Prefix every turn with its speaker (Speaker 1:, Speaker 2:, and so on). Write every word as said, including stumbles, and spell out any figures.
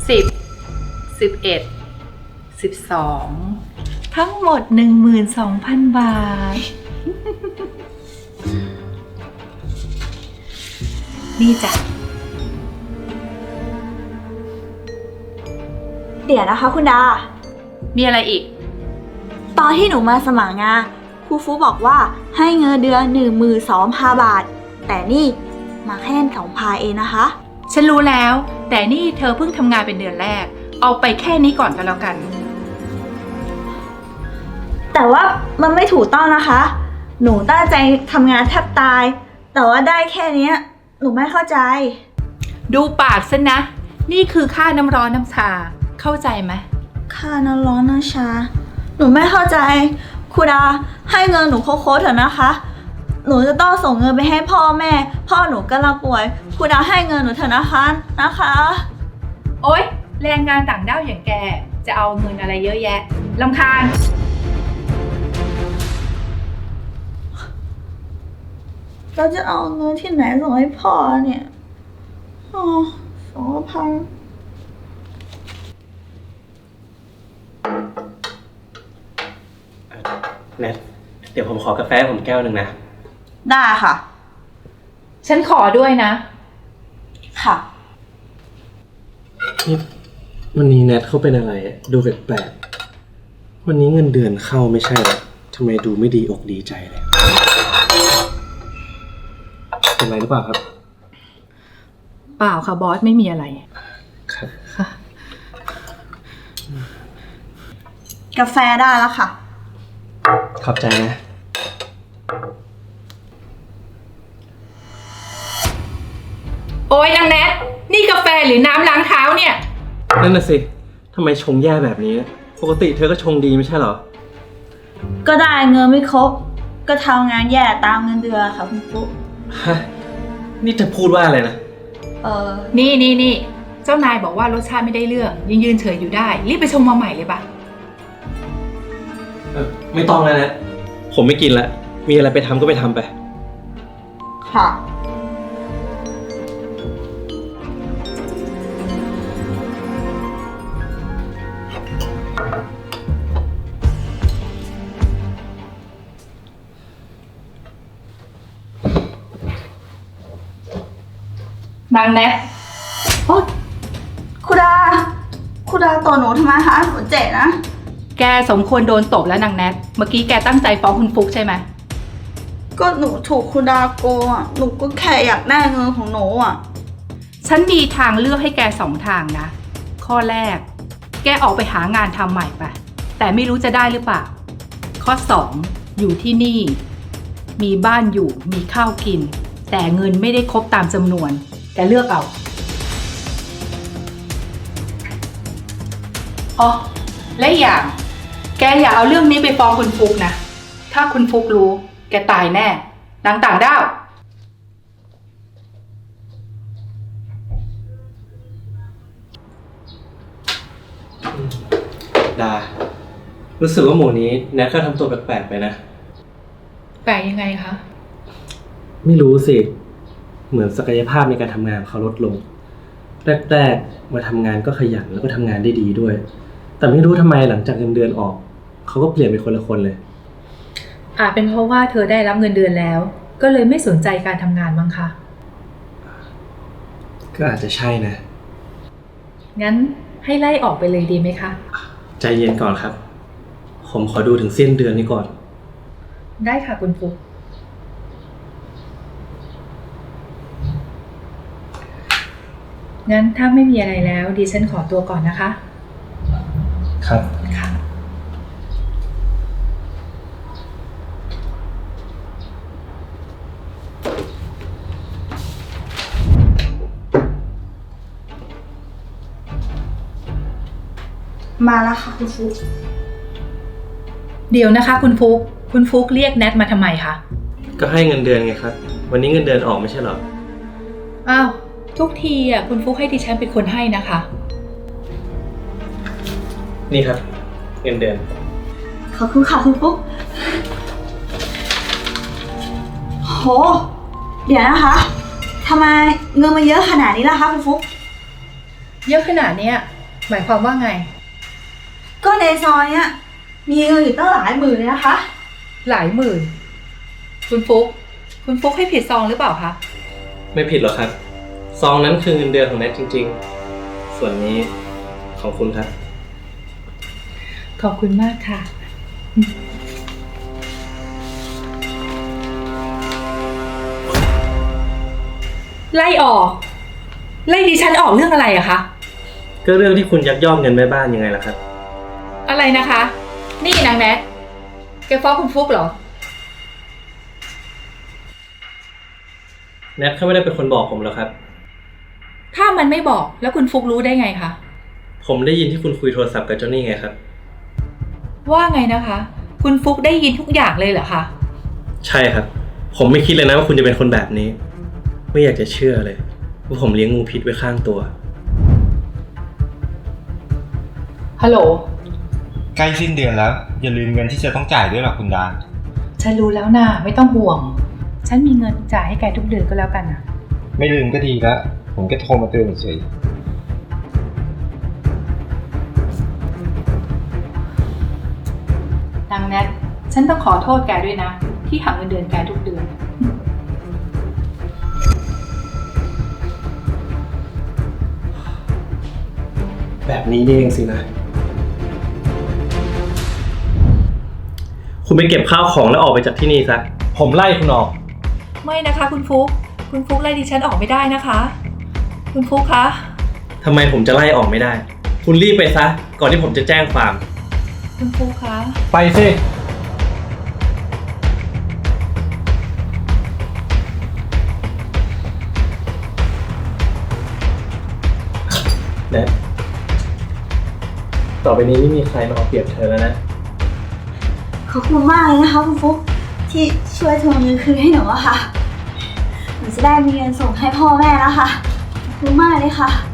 Speaker 1: สิบ สิบเอ็ด สิบสอง ทั้งหมด หนึ่งหมื่นสองพัน บาท นี่จ้ะ
Speaker 2: เดี๋ยวนะคะคุณดา
Speaker 1: มีอะไรอีก
Speaker 2: ตอนที่หนูมาสมัครงานครูฟูบอกว่าให้เงินเดือนหนึ่งหมื่นสองพันบาท แต่นี่มาแค่สองพันเองนะคะ
Speaker 1: ฉันรู้แล้ว แต่นี่เธอเพิ่งทำงานเป็นเดือนแรก เอาไปแค่นี้ก่อนก็แล้วกัน
Speaker 2: แต่ว่ามันไม่ถูกต้องนะคะ หนูตั้งใจทำงานแทบตาย แต่ว่าได้แค่เนี้ยหนูไม่เข้าใจ
Speaker 1: ดูปากซะนะ นี่คือค่าน้ำร้อนน้ำชา เข้าใจไหม
Speaker 2: ค่าน้ำร้อนน้ำชา หนูไม่เข้าใจครูดาให้เงินหนูโค้ดๆเถอะนะคะ หนูจะต้องส่งเงินไปให้พ่อแม่ พ่อหนูกำลังป่วยครูดาให้เงินหนูเถอะนะคะนะคะ
Speaker 1: โอ๊ย แรงงานต่างด้าวอย่างแก จะเอาเงินอะไรเยอะแยะรำคาญ
Speaker 2: เราจะเอาเงินที่ไหนส่งให้พ่อเนี่ยอ๋อสองพัน
Speaker 3: แนทเดี๋ยวผมขอกาแฟผมแก้วหนึ่งนะ
Speaker 2: ได้ค่ะ
Speaker 1: ฉันขอด้วยนะ
Speaker 2: ค่ะ
Speaker 3: นี่วันนี้แนทเขาเป็นอะไรดูแปลกๆวันนี้เงินเดือนเข้าไม่ใช่หรอทำไมดูไม่ดีอกดีใจเลยเป็นไรหรือเปล่าครับ
Speaker 1: เปล่าค่ะบอสไม่มีอะไร
Speaker 3: ครับ
Speaker 1: ค่ะ
Speaker 2: กาแฟได้แล้วค่ะ
Speaker 3: ขอบใจนะ
Speaker 1: โอ๊ยนางแนทนี่กาแฟหรือน้ำล้างเท้าเนี่ย
Speaker 3: นั่นน่ะสิทำไมชงแย่แบบนี้ ปกติเธอก็ชงดีไม่ใช่เหรอ
Speaker 2: ก็ได้เงินไม่ครบ ก็ทำงานแย่ตามเงินเดือนค่ะคุณปุ๊
Speaker 3: ฮะ นี่เธอพูดว่าอะไรนะ
Speaker 2: เออ
Speaker 1: นี่นี่นี่เจ้านายบอกว่ารสชาติไม่ได้เรื่องยังยืนเฉยอยู่ได้ รีบไปชงมาใหม่เลยปะ
Speaker 3: เออไม่ต้องแล้วนะ ผมไม่กินละ มีอะไรไปทำก็ไปทำไป
Speaker 2: ค่ะ
Speaker 1: นางแนท
Speaker 2: โอ๊ยครูดาครูดาต่อหนูทำไมคะหนูเจ็บนะ
Speaker 1: แกสมควรโดนตบแล้วนางแนท เมื่อกี้แกตั้งใจฟ้องคุณฟุกใช่ไหม
Speaker 2: ก็หนูถูกครูดาโกงอ่ะ หนูก็แค่อยากได้เงินของหนูอ่ะ
Speaker 1: ฉันมีทางเลือกให้แกสองทางนะ ข้อแรก แกออกไปหางานทำใหม่ไป แต่ไม่รู้จะได้หรือเปล่า ข้อสองอยู่ที่นี่ มีบ้านอยู่ มีข้าวกิน แต่เงินไม่ได้ครบตามจำนวน แกเลือกเอา อ๋อ และอีกอย่าง แกอย่าเอาเรื่องนี้ไปฟ้องคุณฟุกนะ ถ้าคุณฟุกรู้ แกตายแน่ นางต่างด้าว
Speaker 3: ดา รู้สึกว่าหมู่นี้แนทก็ทำตัวแปลกๆไปนะ
Speaker 1: แปลกยังไงคะ
Speaker 3: ไม่รู้สิ เหมือนศักยภาพในการทำงานเขาลดลง แรกๆมาทำงานก็ขยันแล้วก็ทำงานได้ดีด้วย แต่ไม่รู้ทำไมหลังจากเงินเดือนออก เขาก็เปลี่ยนเป็นคนละคนเลย
Speaker 1: อาจเป็นเพราะว่าเธอได้รับเงินเดือนแล้ว ก็เลยไม่สนใจการทำงานมั้งคะ
Speaker 3: ก็อาจจะใช่นะ
Speaker 1: งั้นให้ไล่ออกไปเลยดีไหมคะ
Speaker 3: ใจเย็นก่อนครับ ผมขอดูถึงสิ้นเดือนนี้ก่อน
Speaker 1: ได้ค่ะคุณฟุก งั้นถ้าไม่มีอะไรแล้วดิฉันขอตัวก่อนนะคะ
Speaker 3: ครับ
Speaker 1: ค่ะ
Speaker 2: มาแล้วค่ะคุณฟุก
Speaker 1: เดี๋ยวนะคะคุณฟุก คุณฟุกเรียกแนทมาทำไมคะ
Speaker 3: ก็ให้เงินเดือนไงครับ วันนี้เงินเดือนออกไม่ใช่เหรอ
Speaker 1: อ้าว ทุกทีอ่ะคุณฟุกให้ดิฉันเป็นคนให้นะคะ
Speaker 3: นี่ครับ เงินเดือน
Speaker 2: ขอบคุณค่ะคุณฟุกโห เดี๋ยวนะคะทำไมเงินมันเยอะขนาดนี้ล่ะคะคุณฟุก
Speaker 1: เยอะขนาดเนี้ยหมายความว่าไง
Speaker 2: ก็ในซอยเนี้ยมีเงินอยู่ตั้งหลายหมื่นเลยนะคะ
Speaker 1: หลายหมื่น คุณฟุก คุณฟุกให้ผิดซองหรือเปล่าคะ
Speaker 3: ไม่ผิดหรอกครับ ซองนั้นคือเงินเดือนของแนทจริงๆ ส่วนนี้ของคุณครับ
Speaker 1: ขอบคุณมากค่ะ ไล่ออก ไล่ดิฉันออกเรื่องอะไรอะคะ
Speaker 3: ก็เรื่องที่คุณยักยอกเงินแม่บ้านยังไงล่ะครับ
Speaker 1: อะไรนะคะ นี่นางแนทแกฟ้องคุณฟุกเหรอ
Speaker 3: แนทเขาไม่ได้เป็นคนบอกผมหรอกครับ
Speaker 1: ถ้ามันไม่บอกแล้วคุณฟุกรู้ได้ไงคะ
Speaker 3: ผมได้ยินที่คุณคุยโทรศัพท์กับเจ้านี่ไงครับ
Speaker 1: ว่าไงนะคะ คุณฟุกได้ยินทุกอย่างเลยเหรอคะ
Speaker 3: ใช่ครับ ผมไม่คิดเลยนะว่าคุณจะเป็นคนแบบนี้ ไม่อยากจะเชื่อเลยว่าผมเลี้ยงงูพิษไว้ข้างตัว
Speaker 1: ฮัลโหล
Speaker 4: ใกล้สิ้นเดือนแล้ว อย่าลืมเงินที่จะต้องจ่ายด้วยหรอกคุณดา
Speaker 1: ฉันรู้แล้วนะไม่ต้องห่วง ฉันมีเงินจ่ายให้แกทุกเดือนก็แล้วกันนะ
Speaker 4: ไม่ลืมก็ดีแล้ว ผมก็โทรมาเตือนเฉย
Speaker 1: นางแนท ฉันต้องขอโทษแกด้วยนะ ที่หักเงินเดือนแกทุกเดือน
Speaker 3: แบบนี้นี่เองสินะ คุณไปเก็บข้าวของแล้วออกไปจากที่นี่ซะ ผมไล่คุณออก
Speaker 1: ไม่นะคะคุณฟุก คุณฟุกไล่ดิฉันออกไม่ได้นะคะ คุณฟุกคะ
Speaker 3: ทำไมผมจะไล่ออกไม่ได้ คุณรีบไปซะ ก่อนที่ผมจะแจ้งความ
Speaker 1: คุณฟุกคะ
Speaker 3: ไปสิแนทต่อไปนี้ไม่มีใครมาเอาเปรียบเธอแล้วนะ
Speaker 2: ขอบคุณมากเลยนะคะคุณฟุ๊กที่ช่วยทวงเงินคืนให้หนูอะค่ะ หนูจะได้มีเงินส่งให้พ่อแม่แล้วค่ะ ขอบคุณมากเลยค่ะ